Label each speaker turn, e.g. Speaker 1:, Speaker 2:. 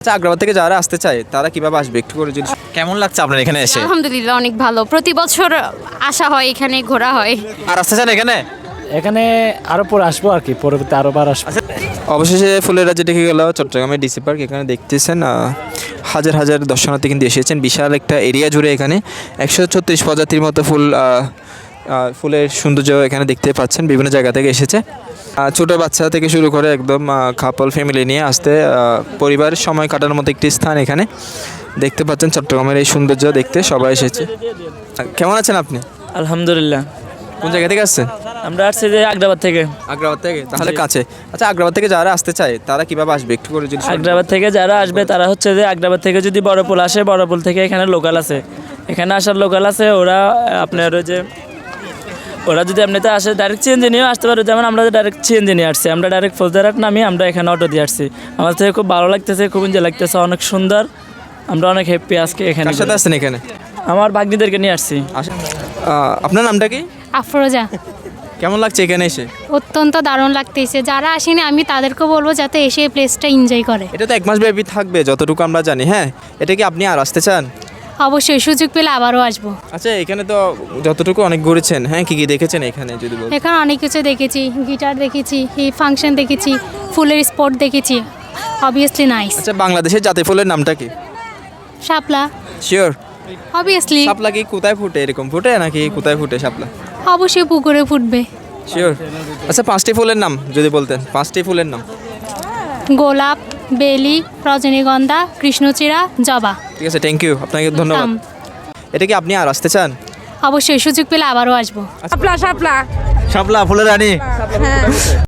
Speaker 1: আচ্ছা, আগ্রাবাদ থেকে যারা আসতে চায় তারা কিভাবে আসবে একটু করে যদি কেমন লাগছে আপনার এখানে এসে?
Speaker 2: আলহামদুলিল্লাহ অনেক ভালো, প্রতি বছর আসা হয়, এখানে ঘোরা হয়।
Speaker 1: আর আসতে চান এখানে?
Speaker 3: এখানে আরো পরে আসবো আর কি, পরবর্তী আরো বার আসবো।
Speaker 1: অবশেষে ফুলের রাজ্যে দেখে গেল চট্টগ্রামের ডিসি পার্ক। এখানে দেখতেছেন হাজার হাজার দর্শনার্থী কিন্তু এসেছেন, বিশাল একটা এরিয়া জুড়ে। এখানে 136 প্রজাতির মতো ফুলের সৌন্দর্য এখানে দেখতে পাচ্ছেন। বিভিন্ন জায়গা থেকে এসেছে, ছোটো বাচ্চা থেকে শুরু করে একদম কাপল ফ্যামিলি নিয়ে আসতে পরিবারের সময় কাটানোর মতো একটি স্থান এখানে দেখতে পাচ্ছেন। চট্টগ্রামের এই সৌন্দর্য দেখতে সবাই এসেছে। কেমন আছেন আপনি?
Speaker 4: আলহামদুলিল্লাহ।
Speaker 1: কোন জায়গা থেকে আসছেন?
Speaker 4: আমরা আসছি যে আগ্রাবাদ থেকে।
Speaker 1: আগ্রাবাদ থেকে, তাহলে কাছে। আচ্ছা, আগ্রাবাদ থেকে যারা আসতে চায় তারা কিভাবে আসবে একটু করে যদি
Speaker 4: আগ্রাবাদ থেকে যারা আসবে তারা হচ্ছে যে আগ্রাবাদ থেকে যদি বড়পুল আসে, বড়পুল থেকে এখানে লোকাল আছে, এখানে আসার লোকাল আছে। ওরা আপনার ওই যে ওরা যদি এমনিতে আসে ডাইরেক্ট সিএনজি নিয়েও আসতে পারে। যেমন আমরা ডাইরেক্ট সিএনজি নিয়ে আসছি, আমরা ডাইরেক্ট ফৌজদারহাট নামি আমরা এখানে অটো দিয়ে আসছি। আমার থেকে খুব ভালো লাগতেছে, খুব এনজয় লাগতেছে, অনেক সুন্দর। আমরা অনেক হ্যাপি আজকে এখানে।
Speaker 1: কার সাথে আসছেন এখানে?
Speaker 4: আমার ভাগ্নিদেরকে নিয়ে আসছি।
Speaker 1: আপনার নামটা কি?
Speaker 2: আফরোজা।
Speaker 1: কেমন লাগছে এখানে এসে?
Speaker 2: অত্যন্ত দারুণ লাগতেছে। যারা আসেনি আমি তাদেরকে বলবো যাতে এসে এই প্লেসটা এনজয় করে।
Speaker 1: এটা তো 1 মাস ব্যাপী থাকবে যতটুকু আমরা জানি। হ্যাঁ, এটা কি আপনি আর আসতে চান?
Speaker 2: অবশ্যই সুযোগ পেলে আবারও আসবো।
Speaker 1: আচ্ছা, এখানে তো যতটুকু অনেক ঘুরেছেন, হ্যাঁ, কি কি দেখেছেন এখানে যদি বলেন?
Speaker 2: এখানে অনেক কিছু দেখেছি, গিটার দেখেছি, এই ফাংশন দেখেছি, ফুলের স্পট দেখেছি। Obviously nice.
Speaker 1: আচ্ছা, বাংলাদেশের জাতীয় ফুলের নামটা কি?
Speaker 2: শাপলা।
Speaker 1: শিওর?
Speaker 2: অবভিয়াসলি।
Speaker 1: শাপলা কি কোথায় ফুটে? এরকম ফুটে নাকি কোথায় ফুটে শাপলা?
Speaker 2: অবশ্যই পুকুরে ফুটবে।
Speaker 1: শিওর? আচ্ছা, 5টি ফুলের নাম যদি বলতেন, 5টি ফুলের নাম।
Speaker 2: গোলাপ, বেলি, রজনীগন্ধা, কৃষ্ণচূড়া, জবা।
Speaker 1: ঠিক আছে, থ্যাংক ইউ, আপনাকে ধন্যবাদ। এটা কি আপনি আর আসতে চান?
Speaker 2: অবশ্যই সুযোগ পেলে আবারও আসবো।
Speaker 5: শাপলা শাপলা
Speaker 1: শাপলা ফুলের রানী।
Speaker 5: হ্যাঁ